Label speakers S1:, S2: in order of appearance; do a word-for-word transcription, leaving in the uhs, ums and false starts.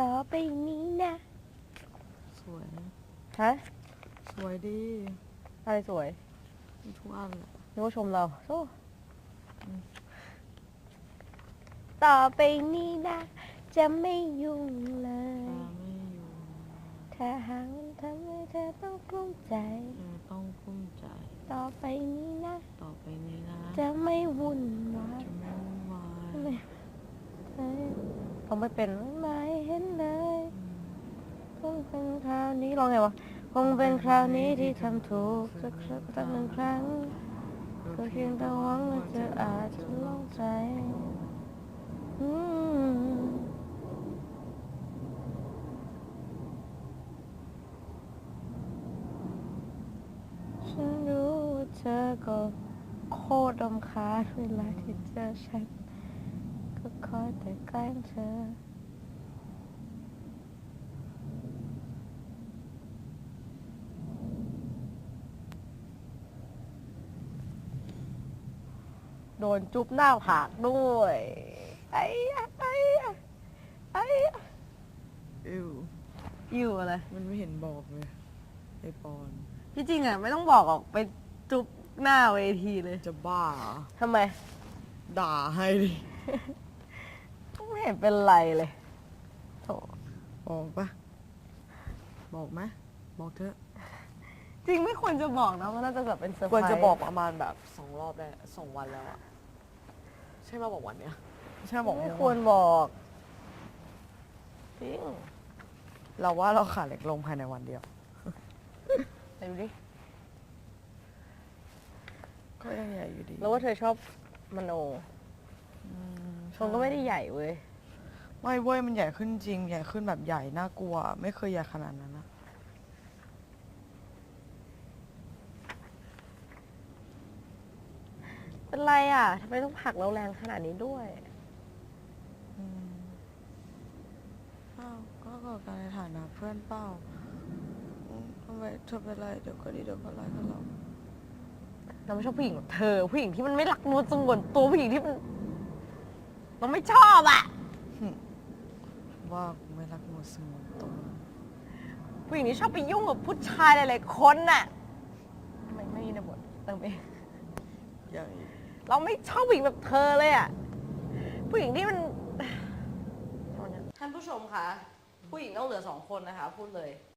S1: ต่อไปนี้นะ
S2: สวย
S1: ฮะ
S2: สวยดี
S1: อะไรสวย
S2: ทุกอันแหละ
S1: นึกว่าชมเราโอ้ต่อไปนี้นะจะไม่ยุ่งเลย
S2: ตาไม่อยู่
S1: ถ้าหากมันทำให้เธอต้องกลุ้มใจ
S2: เธอต้องกุ้มใจ
S1: ต่อไปนี้นะ
S2: ต่อไปนี้นะ
S1: จะไม่วุ่นวาย
S2: จะไม่วุ่นวาย
S1: ไม่เขาไม่เป็นไม่เห็นเลยคงเป็นคราวนี้ร้องไงวะคงเป็นคราวนี้ที่ทำถูกสักครั้งสักหนึ่งครั้งก็เพียงแต่หวังว่าเธออาจจะลองใจอืมฉันรู้ว่าเธอก็โคตรรำคาญเวลาที่เจอฉันก็คอยแต่แกล้งเธอโดนจุ๊บหน้าผากด้วยไอ้ไอ้ไอ้
S2: อิว
S1: อยู่อะไร
S2: มันไม่เห็นบอกเลยไอปอน
S1: ที่จริงอ่ะไม่ต้องบอกออกไปจุ๊บหน้าเวทีเลย
S2: จะบ้าเหรอ
S1: ทำไม
S2: ด่าให้ดิ
S1: ไม่เห็นเป็นไรเลยโถ
S2: บอกปะบอกไหมบอกเถอะ
S1: จริงไม่ควรจะบอกนะมันน่าจะแบบเป็นเซอร์ไพ
S2: ค
S1: ร
S2: ว
S1: ส์
S2: รจะบอกประมาณแบบสองรอบได้สองวันแล้วอะใช่มาบอกวันเนี้ยใช่บอก
S1: ไม่ควรบอกจริง
S2: เราว่าเราขาดเหล็กลงภายในวันเดียว
S1: ไหนดูดิ
S2: ก็ยังใหญ่อยู่ดี
S1: แล้วว่าเธอชอบมโน
S2: อืม
S1: ชมก็ไม่ได้ใหญ่เว้ย
S2: ไม่เว้ยมันใหญ่ขึ้นจริงใหญ่ขึ้นแบบใหญ่น่ากลัว ไม่เคยใหญ่ขนาดนั้นนะ
S1: เป็นไรอ่ะทำไมต้องผลักเราแรงขนาดนี้ด้วย
S2: อืมเป้าก็เกิดการในฐานะเพื่อนเป้าอืมทำไมเธอเป็นไรเดี๋ยวก็ดีเดี๋ยวก็ไล่กันเรา
S1: เราไม่ชอบผู้หญิงแบบเธอ ผู้หญิงที่มันไม่รักนวลสงวนตัวผู้หญิงที่มันเราไม่ชอบอ่ะ
S2: ว่ากูไม่รักมัวสมองตรง
S1: ผู้หญิงที่ชอบไปยุ่งกับผู้ชายหลายๆคนน่ะไม่ไม่มีในบทเติมเอง
S2: อย่างอีก
S1: เราไม่ชอบผู้หญิงแบบเธอเลยอ่ะ ผู้หญิงที่มันท่านผู้ชมคะ ผู้หญิงต้องเหลือสองคนนะคะ พูดเลย